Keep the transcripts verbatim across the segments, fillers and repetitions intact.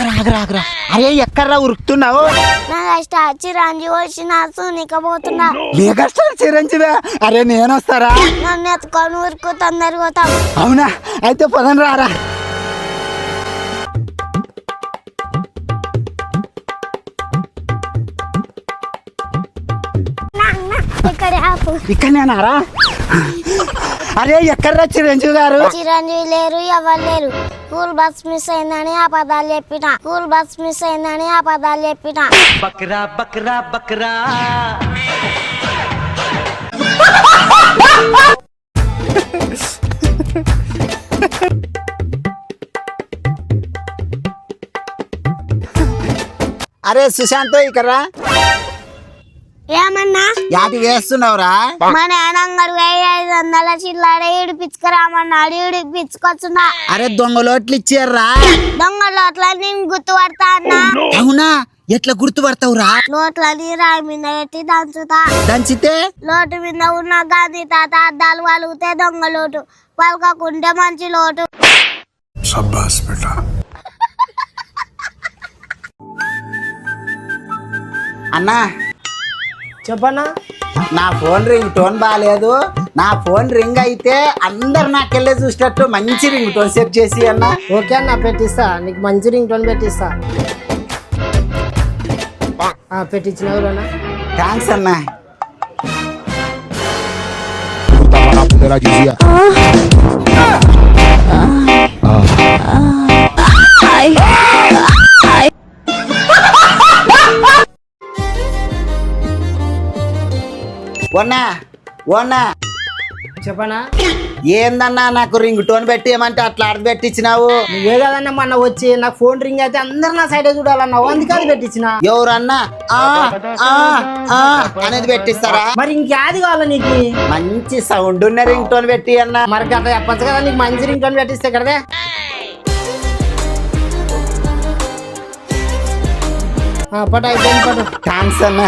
ఆగరా ఆగరా ఆగరా అరే ఎక్కడ్రా ఉరుకుతున్నావు? చిరంజీవి వచ్చిన సూనికపోతున్నా. మెగాస్టార్ చిరంజీవి? అరే నేను వస్తారా? నన్ను ఎత్తుకొని ఊరుకు తొందరగా పోతాం. అవునా అయితే పదం రారా. ఇక్కడనేనారా? అరే ఎక్కడ్రా చిరంజీవి గారు? చిరంజీవి లేరు, ఎవరు లేరు. స్కూల్ బస్ మిస్ అయిందని అబద్ధాలు చెప్పిన స్కూల్ బస్ మిస్ అయిందని అబద్ధాలు చెప్పిన బక్రా బక్రా బక్రా. అరే సుశాంత్ ఇక్కడ్రా. ఏమన్నా యాటి వేస్తున్నావురా? మా నాన్నగారు వెయ్యి ఐదు వందల చిల్లర ఇడిపించుకురామన్నాడు, ఇడిపించుకొచ్చున్నా. అరే దొంగలోట్లు ఇచ్చారా? దొంగ లోట్లని గుర్తుపడతా అన్నా. అవునా ఎట్లా గుర్తుపడతావురా? లోట్లని రాయి మీద పెట్టి దంచుతా. దంచితే లోటు మీద ఉన్న గాంధీ తాత అద్దాలు పలుకుతే దొంగ లోటు, పలకకుంటే మంచి లోటు. అన్నా చెప్పన్నా. నా ఫోన్ రింగ్ టోన్ బాగాలేదు. నా ఫోన్ రింగ్ అయితే అందరు నాకెళ్ళే చూసేటట్టు మంచి రింగ్ టోన్ సెట్ చేసి అన్న. ఓకే అన్న పెట్టిస్తా, నీకు మంచి రింగ్ టోన్ పెట్టిస్తా. పెట్టించిన థ్యాంక్స్ అన్న. ఓనా ఓనా చెప్పనా. ఏందన్నా నాకు రింగ్ టోన్ పెట్టి ఏమంటే అట్లా అర్థ పెట్టించినావు? నువ్వే కదన్నా మొన్న వచ్చి నాకు ఫోన్ రింగ్ అయితే అందరు నా సైడే చూడాలన్నావు, అందుకే అది పెట్టించిన. ఎవరన్నా ఆ ఆ ఆ అనేది పెట్టిస్తారా? మరి ఇంకేది కావాలా నీకు? మంచి సౌండ్ ఉన్న రింగ్ టోన్ పెట్టి అన్న. మరి గట్ట చెప్పచ్చు కదా, నీకు మంచి రింగ్ టోన్ పెట్టిస్తే కదే. పట్టు అయిపోయింది పట్టు. థ్యాంక్స్ అన్న.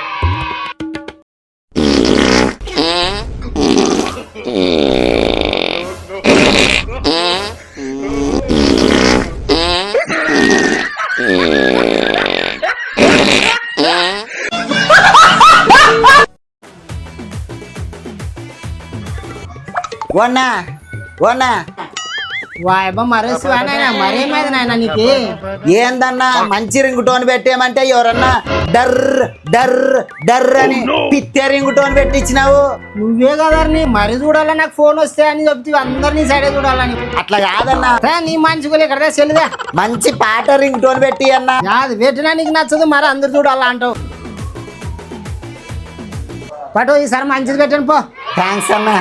ఓనా ఓనా వాయబ్బా మరేసి నాయన మరేమైంది నాయన నీకు? ఏందన్నా మంచి రింగ్ టోన్ పెట్టేమంటే ఎవరన్నా డర్ డర్ డర్ అని పిత్తే రింగ్ టోన్ పెట్టించినావు. నువ్వే కదా మరి చూడాలా నాకు ఫోన్ వస్తే అని చెప్తే అందరినీ సైడే చూడాలని. అట్లా కాదన్నా, నీ మంచిగా ఇక్కడ సెల్లుదా మంచి పాట రింగ్ టోన్ పెట్టి అన్నా. అది పెట్టినా నీకు నచ్చదు, మరి అందరు చూడాలా అంటావు. పటు ఈసారి మంచిది పెట్టండి పో. థ్యాంక్స్ అన్నా.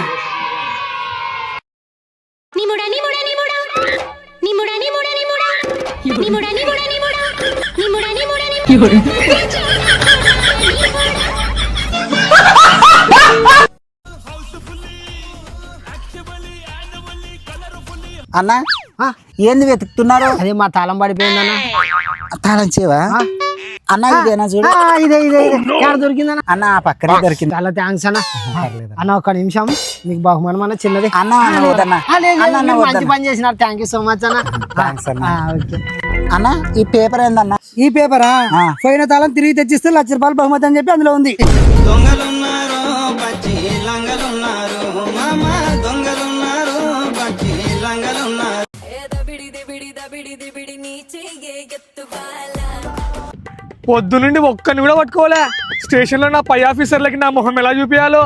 అన్నా ఏంది వెతుకుతున్నారు? అదే మా తాళం పడిపోయిందన్నా. తాళం చేవా అన్న? ఇదేనా చూడు. ఇదే ఇదే ఎక్కడ దొరికిందన్నా? అన్న ఆ పక్కనే దొరికింది. చాలా థ్యాంక్స్ అన్న. అన్న ఒక్క నిమిషం, మీకు బహుమానం అన్న చిన్నది. అన్న మంచి పని చేసినారు, థ్యాంక్ యూ సో మచ్ అన్న. థ్యాంక్స్ అన్న. అన్న ఈ పేపర్ ఏందన్నా? ఈ పేపరా? పోయిన తాళం తిరిగి తెచ్చిస్తే లక్ష రూపాయలు బహుమతి అని చెప్పి అందులో ఉంది. పొద్దు నుండి ఒక్కని కూడా పట్టుకోలే. స్టేషన్ లో నా పై ఆఫీసర్లకి నా మొహం ఎలా చూపించాలో.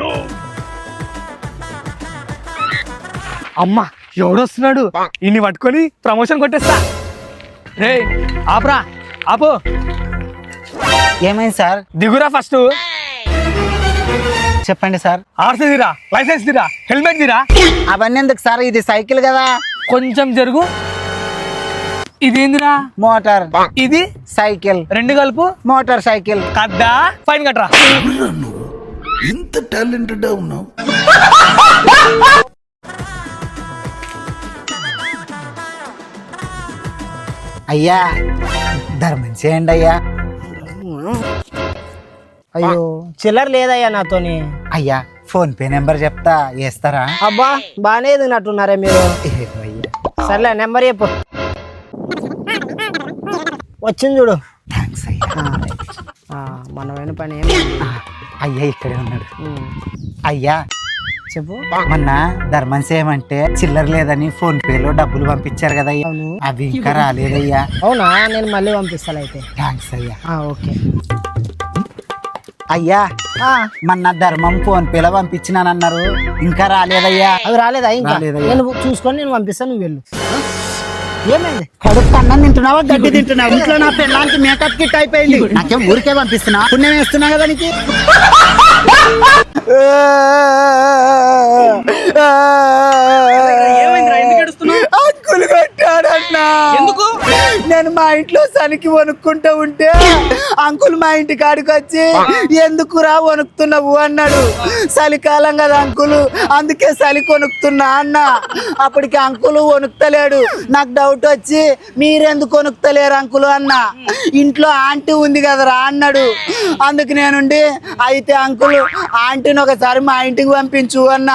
అమ్మా ఎవడొస్తున్నాడు, ఇన్ని పట్టుకొని ప్రమోషన్ కొట్టేస్తా. రే ఆపరా ఆపు. ఏమైంది సార్? దిగురా ఫస్ట్. చెప్పండి సార్. ఆర్సీ తీరా, లైసెన్స్ తీరా, హెల్మెట్ తీరా. అవన్నీ ఎందుకు సార్? ఇది సైకిల్ కదా. కొంచెం జరుగు. ఇదేందిరా? మోటార్. ఇది సైకిల్. రెండు కలుపు మోటార్ సైకిల్. కద్దా ఫైన్ కట్టరా. ఇంత టాలెంటెడ్ ఉన్నావు. అయ్యా ధర్మం చేయండి అయ్యా. అయ్యో చిల్లర లేదయ్యా నాతోని. అయ్యా ఫోన్ పే నెంబర్ చెప్తా, వేస్తారా? అబ్బా బాగానే ఎదిగినట్టున్నారే మీరు. సర్లే నెంబర్ చెప్పు. వచ్చింది చూడు. థ్యాంక్స్ అయ్యా. ఆ, మనమైన పని ఏం అయ్యా ఇక్కడే ఉన్నాడు. ఉమ్. అయ్యా చెప్పు. మొన్న ధర్మం చేయమంటే చిల్లర లేదని ఫోన్ పేలో డబ్బులు పంపించారు కదా అయ్యా, అవును. అవి ఇంకా రాలేదయ్యా. అవునా, నేను మళ్ళీ పంపిస్తాను అయితే. థ్యాంక్స్ అయ్యా. ఆ, ఓకే. అయ్యా ఆ, మొన్న ధర్మం ఫోన్ పేలో పంపించినానన్నారు, ఇంకా రాలేదయ్యా. అవి రాలేదా ఇంకా? రాలేదయ్యా. నేను చూసుకొని నేను పంపిస్తాను, నువ్వు వెళ్ళు. ఏమైంది? కడుపు అన్నం తింటున్నావా గడ్డి తింటున్నావు? ఇంట్లో నా పెళ్ళానికి మేకప్ కిట్ అయిపోయింది, నాకేం ఊరికే పంపిస్తున్నా, పుణ్యం వేస్తున్నా కదా నీకు. అంకులు కొట్టాడన్నా. ఎందుకు? నేను మా ఇంట్లో సనికి వణుక్కుంటూ ఉంటే అంకుల్ మా ఇంటి కాడికి వచ్చి ఎందుకురా వణుకుతున్నావు అన్నాడు. చలికాలం కదా అంకులు, అందుకే చలి కొనుక్కుతున్నా అన్న. అప్పటికి అంకులు వణుకుతలేడు. నాకు డౌట్ వచ్చి మీరెందుకు వణుకుతలేరు అంకులు అన్న. ఇంట్లో ఆంటీ ఉంది కదరా అన్నాడు. అందుకు నేనుండి అయితే అంకులు ఆంటీని ఒకసారి మా ఇంటికి పంపించు అన్నా.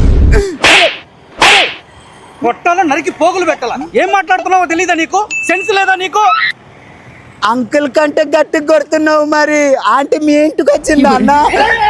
కొట్టాల నరికి పోగులు పెట్టాలా? ఏం మాట్లాడుతున్నావో తెలీదా నీకు? సెన్స్ లేదా నీకు? అంకుల్ కంటే గట్టి కొడుతున్నావు, మరి ఆంటీ మీ ఇంటికి వచ్చిందా అన్న?